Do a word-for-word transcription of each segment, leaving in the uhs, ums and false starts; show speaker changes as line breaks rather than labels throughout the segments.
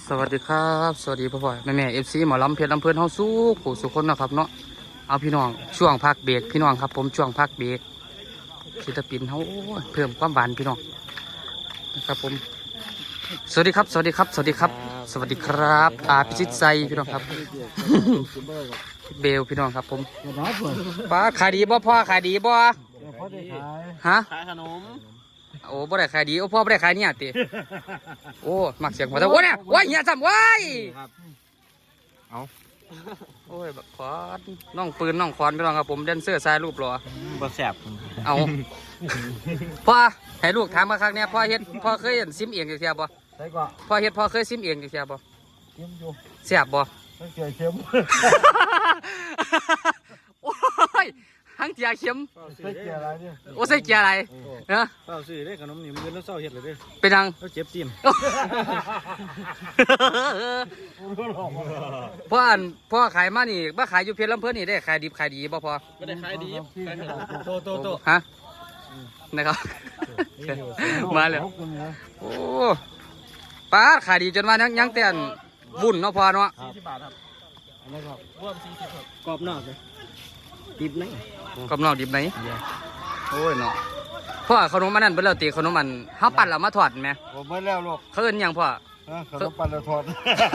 สวัสดีครับสวัสดีพ่อพ่อแม่แม่เอฟซีหมอลำเพชรลำเพลินเฮาสู้ผู้สุคนนะครับเนาะเอาพี่น้องช่วงพักเบรกพี่น้องครับผมช่วงพักเบรกศิลปินเฮาเพิ่มความหวานพี่น้องนะครับผมสวัสดีครับสวัสดีครับสวัสดีครับสวัสดีครับอาพิชิตใจพี่น้องครับ เบลพี่น้องครับผมป้าขายดีบ่พ่อขายดีบ่ฮะ
ขายขนม
โอ้บ่ได้ขายดีโอ้พ่อบ่ได้ขายเนี่ยติโอ้มักเสียงหัวแต่โอ้เนี่ยว้ายเหี้ยซ้ำว้ายเอาโอ้ยบักควานน้องปืนน้องควานพี่น้องครับผมแดนเซอร์สายรูปหล่อ
บ่แสบ
เอาพ่อให้ลูกถามมาครั้งเนี้ยพ่อเฮ็ดพ่อเคยเห็นซิมเองจักเที่ยบ่
ใช่ก็
พ่อเฮ็ดพ่อเคยซิมเองจักเที่ยบ่
เค็มอยู่
แซ่บบ่
ไม่เกี่ยวเค็ม
โอ้ยทั้งเจียเข็ม
ใส่เกี่ยวอะไรเนี่ย
โอ้ใส่เกียร์อะไรเนาะ
เศร้าซื้อได้ขนมนี่มันแล้วเศร้าเฮ็ดเลยเด้
เป็นยัง
แล้วเจ็บตีน
พ่ออันพ่อขายมานี่มาขายอยู่เพชรลำเพิ่นนี่ได้ขายดิบขายดีบ่พอ
ไม่ได้ขายดีขายขนมโตโตโต
ฮะนะครับ มาแล้วโอ้ป้าขายดีจนว่ายังยังแต่นวุ่นเนาะพอเนาะ
สี่สิบบาทครับ
อะไรครับ
รวมสี่สิบครับกรอบนอกเลยดิบไหน
กำนอกดิบไหนโอ้ยเนาะพ่อขนมมันนั่นเป็นแล้วตีขนมมันเฮาปั่นแล้วมาทอดไหม
ผมเมื่อแล้วลูก
เขาเอิ้นหยังพ่อ
ฮะขนมปังแล้วทอด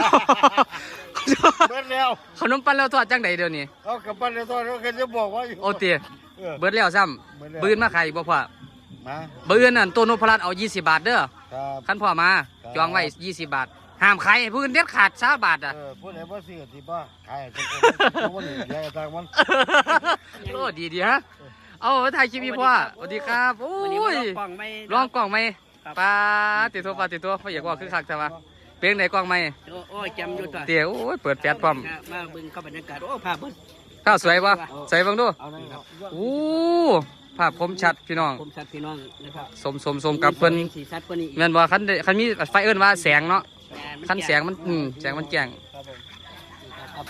เมื่อแล้ว
ขนมปั่นแล้วทอดจังไดเดี๋ยวนี้
เอากับปังแล้วทอดเขาเคยจะบอกว่าอยู่
โอ้ตีเบิดแล้วซ้ำบืนมาขายอีกบ่พ่อ
มา
บืนนั่นตัวนพรัตน์เอายี่สิบบาทเด้อ
ครับ
คันพ่อมาจองไว้ยี่สิบบาทห้ามขายให้ผู้อื่นเด็ดขาดสามบาทอ่ะ
เออพูดไหนว่าซื้อที่บ้าขายทุกคนทุกคนใหญ่ต่างมัน
โอ้ดีดีฮะเอาถ่ายคลิปพี่พ่อสวัสดีครับโอ้ยลองกล่องไหมปลาติดตัวปลาติดตัวพ่ออยากว่าคือคักใช่ปะเพียงไหนกล่องไหม
โอ้ยจำอยู่ตัว
เตี๋ยวโอ้ยเปิดแปดพร้อม
มาบึงเข้าบรรยากาศโอ้ภาพบึ้ง
ข้าวสวยปะใส่เบังดู
เอาเลยครับ
โอ้ภาพคมชัดพี่น้อง
ผมชัดพี่น้องนะครับ
สมสมสมกับเพิ่น
สีชัดกว่านี้
แม่นบ่คันได้คันมีไฟเอิ้นว่าแสงเนาะคันแสงมันอืมแสงมันแจ้ง
ครับ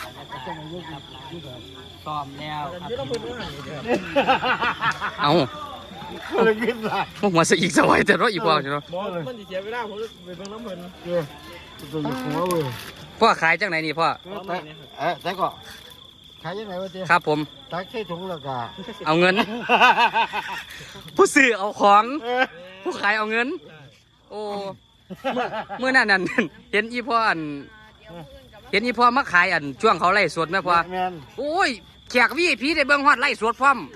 ซ้อมแล้วครับ
เอา
เลยกินละ
พวกหัวสะอีกสวยแต่รถอีกพอใช่เนาะ
บอเลย
มันจะเสียเวลาผมไปเบิ่งน้ำเพลิน
เออตัวอยู่หัวเว้ย
พ่อขายจังไหนนี่พ่อ
แต่เอ๊ะแต่ก็ขายยังไงวะเจ๊
ครับผม
ตักใส่ถุงแล้วก็
เอาเงิน ผู้ซื้อเอาของ ผู้ขายเอาเงิน โอ้เมื่อนั้นนั่น เห็นอีพ่ออัน เห็นอีพ่อมาขายอันช่วงเขาไล่สดไหมพ่อ
แมน
โอ้ยแขกวีพีได้เบิ่งฮอดไล่สดพร้อม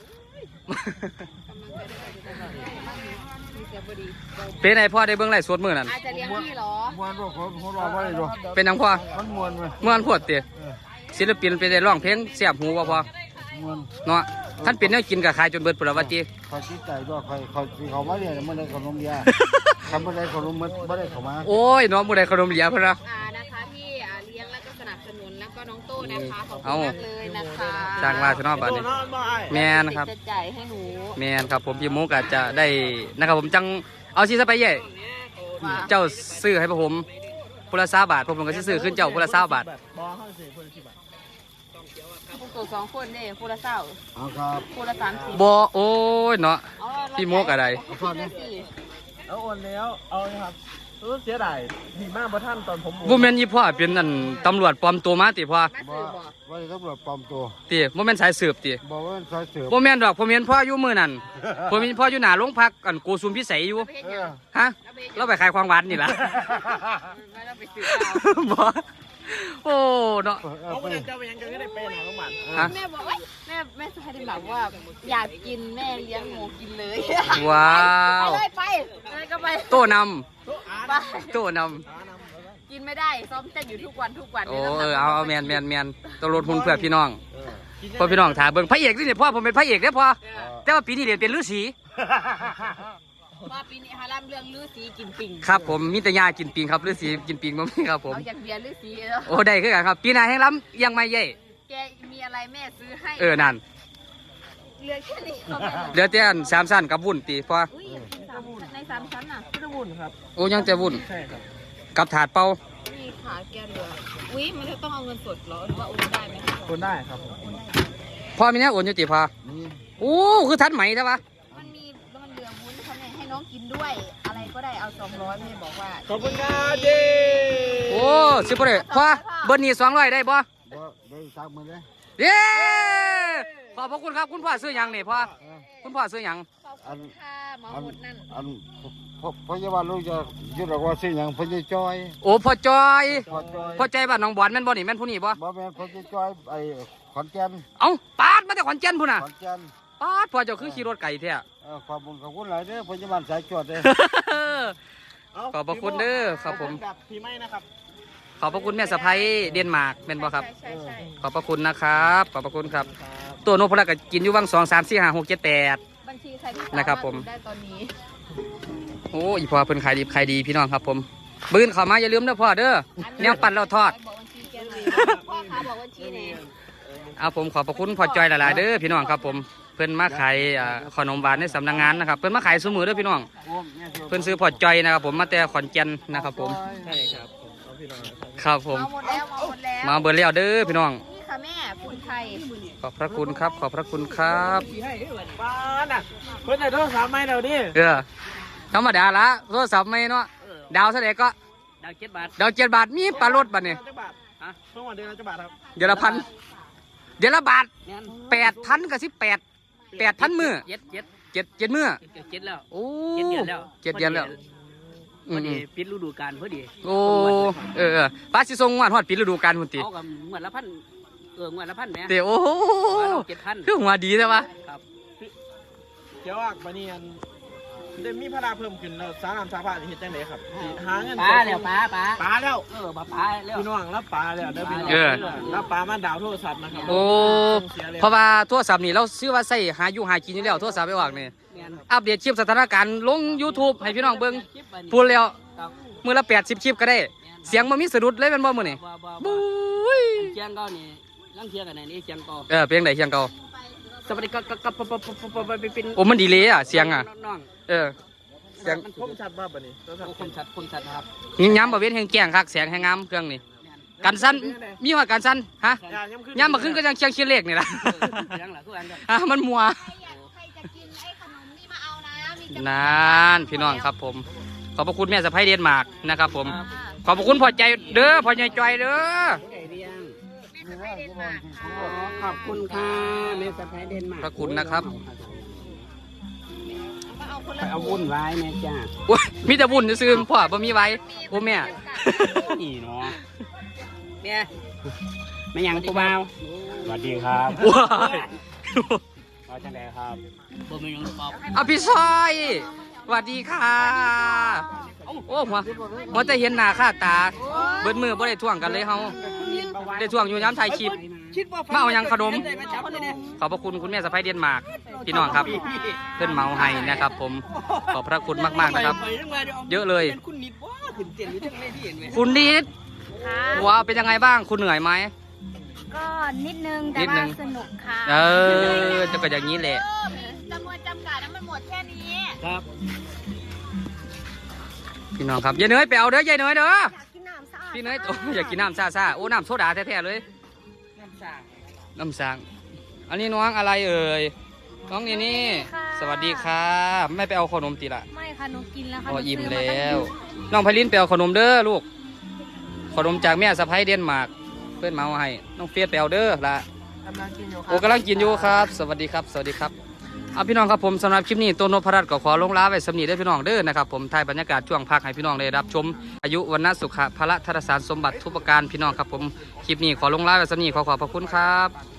เป็นไงพ่อได้เบิ่งไล่สดมื้อนั้น
อาจจะเลี้ยงพี่เหรอ
มวนว่าคนคนรอว่าอะไรดู
เป็นหยังพ่อ
มันมวนไหม
ม่วนพวดติศิลปินไปได้ร้องเพลงเสียบหูบ่พ่อ
มวน
เนาะท่านเป็นแนวกินกับขายจนเบิดพุ่นละว่าติ
คอยคิดใจด้วยคอยคอยเขามาเนี่ยมันได้ขนมยาทำไม่ได้ขนมมันไม่ได้เขามา
โอ้ยน้องบ่ได้ขนมเหลียพุ่นนะ
อ่านะคะที่อ่าเลี้ยงแล้วก็สนับสนุนแล้วก็น้องโต้นะคะขอบคุ
เอา
ณมากเลยนะคะ
จ้างมาซะเนาะบัดนี้แม่นครับ
จะจ่ายให้หนู
แม่นครับผมพี่มุกอาจจะได้นะครับผมจังเอาสิซะไปเย่
ว่า
เจ้าซื้อให้ผมพุละ20บาทผมก็สิซื้อขึ้นเจ้าพุละ20บาท
บอเขาสิคนละสิบบาท
พวกตัวสองคนเนี่ยคนละเศร้า
เอาครับ
คนละสามสิบ
บ่โอ้ยเนาะ
อ๋อ
พี่มุกอะไร
คนละสี่
เอาโอนแล้วเอาเลยครับรู้เสียดายดีมากเพราะท่านตอนผม
บ่แม่นอีพ่อเป็นนั่นตำรวจปลอมตัวมาติพ่อ
มา
ว่า
สื่อบอก
ว่าตำรวจปลอมตัว
ติบ่แม่นสายสืบติ
บอกว่าสายเสือ
บ่แม่นดอกผมเห็นพ่ออยู่มื้อนั้นผมเห็นพ่ออยู่หน้าโรงพักอันโกสุมพิสัยอยู่
เราไปเห็น
เอ
ยัง
อ
ฮะเราไปขายความหวานนี่ล่ะ
ไม่เราไปสื่อเรา
บ่โอ้เนาะ
เอาไปเจ้าไปยังจะได้เป็นหาโรงพยาบาล
ฮะ
แม่บอกว่าแม่แม่สายได้แบบว่าอยากกินแม่เลี้ยงหมูกินเลย
ว้าว
ไปเลยไปไปก็ไป
โต้นำ
ไป
โต้นำ
กินไม่ได้ซ้อมเต้นอยู่ทุกวันทุกวัน
โอ้
นี่ย
เออ
น้ำหนัก
เอาเอาแมนแมนแมนต้องลดทุนเพื่อพี่น้องเพื่อพี่น้องถ่าเบิ่งพระเอกนี่เนี่ยพ่อผมเป็นพระเอกเด้อพ่อแต่ว่าปีนี้เรียนเป็นฤาษี
ว่าปีนี้ฮารัมเรื่องลือสีกินปิ่ง
ครับผมมีแต่ยากินปิงครับฤาษีกินปิงบ่มีครับผม
เอาอย่างเบียร์ลือสีแล้ว
โอ้ได้คือกันครับปีหน้าแห่งล้ำยังไม่เย่
แกมีอะไรแม่ซื้อให้
เออนั่น
เหลือแค่นี้เขาไม่หมด
เหลือแต่อันสามสั้นกับวุ่นตีพ่อ
อุ้ยอยากกินสามชั้นในสามชั้นน่ะ
พุทธบุญครับ
โอ้ยังแต่วุ่น
ใช่ครับ
กับถาดเป่า
มีขาแกเหลืออุ้ยมันจะต้องเอาเงินสดเหรอหรือว่าโอนได้ไหม
คนได้ครับ
พ่อมีเนี่ยโอนอยู่ติพ่อ
นี่
โอ้คือทันไหมใช่ปะ
มันมีมันเหลือวุ้นเขาเนี่ยให้น้องกินด้วย อะไรก็ได้เอาสองร้อยแม่บอกว่า
ขอบคุณครับเจ
โอ้สิบ่ได้พ่อเบอร์นี้สองร้อยได้บ่
เดี๋ยวเดี๋ยวสามหมื่นเลย
เย้ขอบพระคุณครับคุณพ่อซื้อหยังนี่พ่อคุณพ่อซื้อหยัง
ขอบคุณค่ะหมอหมดนั่น
อันพพยาบาลลูกจะยุดหรอกว่าสิ่งอย่างพยาจอย
โอ้พ่อจอย
พอจอย
พ่อใจบ้านน้องบอนแม่นบ่นี่แม่นผู้นี้บ่
บ่แม่นพยาจอยไอ้ขอนแก่น
เอ้าปาดมาแต่ขอนแก่นพุ่นน่ะ
ขอนแก่น
ปาดพ่อเจ้าคือขี่รถไก่แท้
เออขอบคุณขอบคุณหลายเด้อพยาบาลสายจวดเด้อ
ขอบพระคุณเด้อครับผม
กับพี่ไม่นะครับ
ขอบพระคุณแม่สะพ้ยเดนมาร์กแม่นบ่ครับ
ใช่ใช่
ขอบพระคุณนะครับขอบพระคุณครับ ตัวนพพลักก็กินอยู่วังสองสามสี่ห้าหกเจ็ดแปด
บัญชีใครที่สา
นะครับผม
าถได้ตอนนี้
โอ้อีพ่อเพิ่นขายดีขายดีพี่น้องครับผมบื้นเข้ามาอย่าลืมเด้อพ่อเด้อแนวปั่นเราทอด
บอกบัญชีแกหน่อยพ่อค้าบอกบัญชีเนี่ย
เอาผมขอบพระคุณพ่อจอยหลายๆเด้อพี่น้องครับผมเพิ่นมาขายอ่าขนมหวานในสำนักงานนะครับเพิ่นมาขายซุมือเด้อพี่น้องเพิ่นซื้อพ่อจอยนะครับผมมาแต่ขอนแก่นนะครับผม
ใช่ครับผมเอาพี่น้องนะครับ
ครับผม
เอาหมดแล้วเอาหมดแล้ว
มาเบิดแล้วเด้อพี่น้อง
นี่ค่ะแม่คุณไทย
ขอบพระคุณครับขอบพระคุณครับ
ป้าน่ะเพิ่นได้โทรศัพท์ไหมเดี๋ยวนี้
เออธรรมดาละโทรศัพท์ไม่เนาะดาวเท่าไหร่ก็
ดาวเจ็ดบาท
ดาวเจ็ดบาทมีปลารถบัดนี่
จักบาทฮะเพิ่งวันเดือนละจักบาทครับ
เดือนละพันเดือนละบาทแปดพันกับสิบแปดแปดพันมือ
เจ็ดเจ็ด
เจ็ดเจ็ดมือ
เจ็ดเจ็ดแล้ว
โอ้
เจ็ดเดือนแล้ว
เจ็ดเดือนแล้ว
พอดีปิดฤดูกาลพอดี
โอ้เออเออป้าสิส่งงวดฮอดปีฤดูกาลพุ่นติ
เอากับงวดละพันเอองวดละพันแหม่
เตโอ้โห
เจ็ดพัน
คือหัวดีใช่ปะ
ครับ
เดี๋ยวอ่ะบันนี้อันได้มีพระราเพิ่มขึ้นแล้วสารนามสาภาพเห็นจังไดครับสิหาเงิน
ปลาแล้วปลาปลา
ปลาแล้ว
เออปลาปลาแล้ว
พี่น้องรับปลาแล้วเด้อพี่น้องรับปลามาดาวโทรศัพท์นะครับ
โอ้เพราะว่าโทรศัพท์นี่เราซื้อว่าใส่หาอยู่หากินอยู่แล้วโทรศัพท์ไปวางนี่
แม่น
อัปเดตคลิปสถานการณ์ลง YouTube ให้พี่น้องเบิ่ง
คลิปอันนี้
พูดแล้ว
ครับ
มือละแปดสิบคลิปก็ได้ เสียงมันมีสะดุดเลยเป็นบ่มื้อนี่
บ่บ่บ่
บุ้ย
เชียงเก่านี่ลังเทียงกันไหนนี่เชียงเก่า
เออเพลงไหนเสียงเก่า
สวัสดีครับกับกับกับกับไปเป็น
โอ้มันดีเลยอ่ะเสียงอ่ะ
น้อง
เออเสียง
มัน
คมชัดบ่บัดนี้โทรศัพ
โอ้
ท์
คมชัดคมชัดครับ
ยิงย้ำบ่เว้นแห่งแกล้งคักเสียงแห่งงามเครื่องนี่กันสั้นมีว่ากันสั้นฮะ
ยามขึ้น
ย้ำมาขึ้นก็ยังเชียงเชียงเลขนี่ล่ะ
เชียงหล่ะคืออันเดียว
อ่ะมันมัว
ใครอยากใครจะกินไอ้ขนมนี่มาเอานะมีจำห
น
น่าย
านพี่น้องครับผม ขอบพระคุณแม่สะพ้ยเดนมาร์กนะครับผม
ค่ะ
ขอบพระคุณพ่อใจเด้อพ่อใหญ่จอยเด้อ
ไก่เรียง
แม่จะไปเดนมาร์กค่ะ
ขอบคุณค่ะเมสไพเดนมาร์
พระคุณนะครับ
ก็เอาคนละ
เอาวุ่นวายแม่จ้า
โอ้ยมีแต่บุญซื้อๆพ่อบ่มีไว้โอ้แม่
นี่เนาะแม่ไม่ยังกูเบา
สวัสดีครับ
ว้าย
มาจังไดครับ
บ่มียังตอบ
เอาพี่ซอยสวัสดีค่ะโอ้หัวหัวจะเห็นหน้าค่าตา เบิดมือบ่ได้ท่วงกันเลยเฮาได้ท่วงอยู่ย้ำถ่ายคลิป มาเอายังขนม ขอบพระคุณคุณแม่สะพ้ยเดนมาร์กพี่น้องครับ เพื่อนเมาให้นะครับ ผมขอบพระคุณมากๆนะครับ เยอะเลย
คุณนิดว่าขึ้นเตียนอยู่ทั้งในที่เห็นไหม
คุณนิด
ค่ะ
ว้าวเป็นยังไงบ้างคุณเหนื่อยไหม
ก็นิดนึง
นิ
แต่
ดนึ
ว่าง สนุกค่ะ
เออจะก็อย่างนี้แหละ
จำนวนจำกัดนั้นมันหมดแค่นี้
ครับ
พี่น้องครับยายเนยไปเอาเด้อยายเนยเด้อ
อยากกินน้ำสะอาด
พี่เนยโอ้อยากกินน้ำซ่าซ่าๆโอ้น้ำโซดาแท้ๆเลย
น้ำสาง
น้ำสางอันนี้น้องอะไรเอ่ยน้องนี่นี่สวัสดีค่ะไม่ไปเอาขนมติละ
ไม่ค่ะหนูกินแล้วค่ะ
พอ
หนู
อิ่ม
ซื้า
แล้
ตั้ง
ว น้องไพลินไปเอาขนมเด้อลูก ขนมจากแม่สะพ้ยเดนมาร์กเพื่อนเมาให้ น้องเฟียสไปเอาเด้อละ
กำลังกินอยู่ค
โอ้
รับ
กำลังกินอยู่ครับ สวัสดีครับ สวัสดีครับเอาพี่น้องครับผมสำหรับคลิปนี้ตัวนพรัตน์ก็ขอลงลาไว้สำนีได้อพี่น้องเด้อนะครับผมถ่ายบรรยากาศช่วงพักให้พี่น้องได้รับชมอายุวันนสุขะพระธรสารสมบัติทุกประการพี่น้องครับผมคลิปนี้ขอลงลาไว้สำนีขอขอบพระคุณครับ